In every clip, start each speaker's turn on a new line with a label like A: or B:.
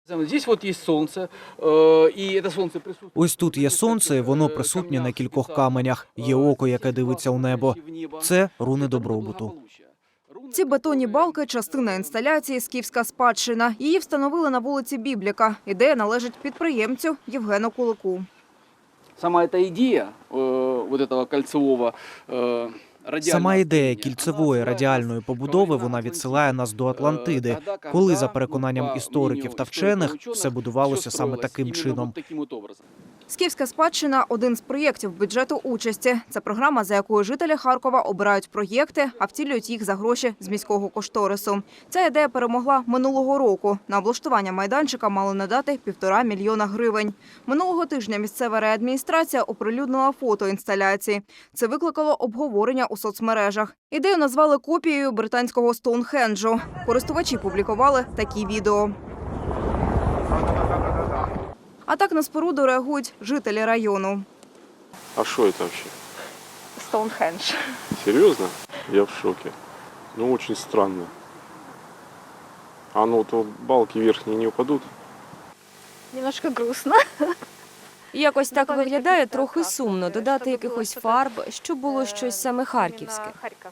A: Ось тут є сонце, воно присутнє на кількох каменях. Є око, яке дивиться у небо. Це руни добробуту.
B: Ці бетонні балки – частина інсталяції «Скіфська спадщина». Її встановили на вулиці Бібліка. Ідея належить підприємцю Євгену Кулику.
C: Сама эта идея вот этого кольцевого
A: Сама ідея кільцевої радіальної побудови, вона відсилає нас до Атлантиди, коли, за переконанням істориків та вчених, все будувалося саме таким чином.
B: «Скіфська спадщина» – один з проєктів бюджету участі. Це програма, за якою жителі Харкова обирають проєкти, а втілюють їх за гроші з міського кошторису. Ця ідея перемогла минулого року. На облаштування майданчика мали надати 1,5 мільйона гривень. Минулого тижня місцева райадміністрація оприлюднила фото інсталяції. Це викликало обговорення у соцмережах. Ідею назвали копією британського Стоунхенджу. Користувачі публікували такі відео. А так на споруду реагують жителі району.
D: А что это вообще?
B: Стоунхендж.
D: Серьезно? Я в шоке. Ну, очень странно. А ну, то балки верхние не упадут?
E: Немножко грустно.
F: Якось так виглядає трохи сумно. Додати якихось фарб, щоб було щось саме харківське.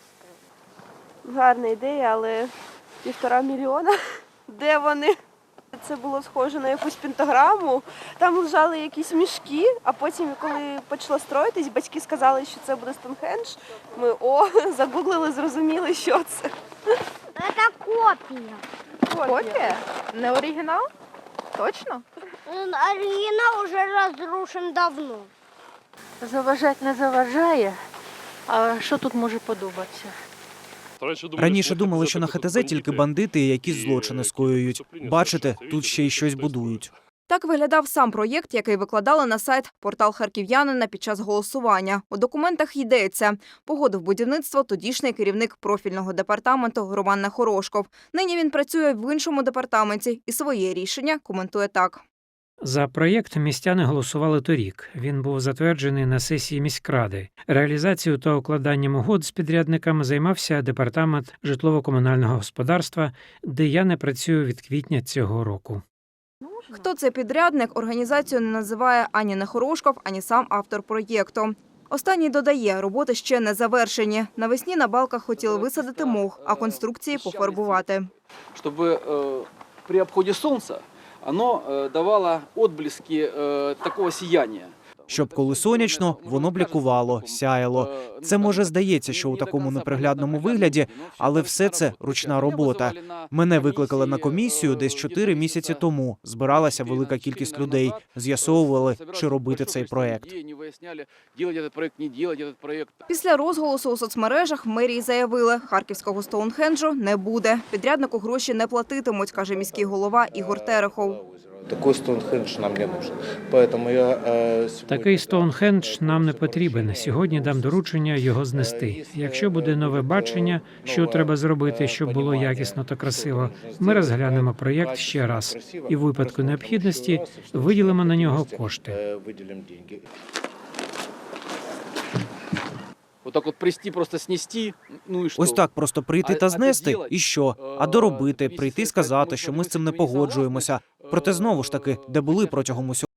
E: Гарна ідея, але 1,5 мільйона. Де вони? Це було схоже на якусь пентаграму. Там лежали якісь мішки, а потім, коли почало строїтись, батьки сказали, що це буде Стоунхендж. Ми загуглили, зрозуміли, що це.
G: Это копия.
E: Копія? Не оригінал? Точно?
G: Оригинал уже разрушен давно.
H: Заважати не заважає, а що тут може подобатися?
A: Раніше думали, що на ХТЗ тільки бандити і якісь злочини скоюють. Бачите, тут ще й щось будують.
B: Так виглядав сам проєкт, який викладали на сайт «Портал Харків'янина» під час голосування. У документах йдеться. Погодив будівництво тодішній керівник профільного департаменту Роман Нехорошков. Нині він працює в іншому департаменті і своє рішення коментує так.
I: За проєкт містяни голосували торік. Він був затверджений на сесії міськради. Реалізацією та укладанням угод з підрядниками займався департамент житлово-комунального господарства, де я не працюю від квітня цього року.
B: Хто це підрядник, організацію не називає ані Нехорошков, ані сам автор проєкту. Останній додає, роботи ще не завершені. Навесні на балках хотіли висадити мох, а конструкції пофарбувати.
C: Щоб при обході сонця оно давало отблески такого сияния.
A: Щоб коли сонячно, воно блікувало, сяяло. Це, може, здається, що у такому неприглядному вигляді, але все це ручна робота. Мене викликали на комісію десь 4 місяці тому. Збиралася велика кількість людей. З'ясовували, чи робити цей проєкт.
B: Після розголосу у соцмережах в мерії заявили, харківського Стоунхенджу не буде. Підряднику гроші не платитимуть, каже міський голова Ігор Терехов.
J: Такий Стоунхендж нам не потрібен.
I: Такий Стоунхендж нам не потрібен. Сьогодні дам доручення його знести. Якщо буде нове бачення, що треба зробити, щоб було якісно та красиво, ми розглянемо проєкт ще раз. І в випадку необхідності виділимо на нього кошти.
A: Ось так просто прийти та знести? І що? А доробити, прийти сказати, що ми з цим не погоджуємося. Проте, знову ж таки, де були протягом усього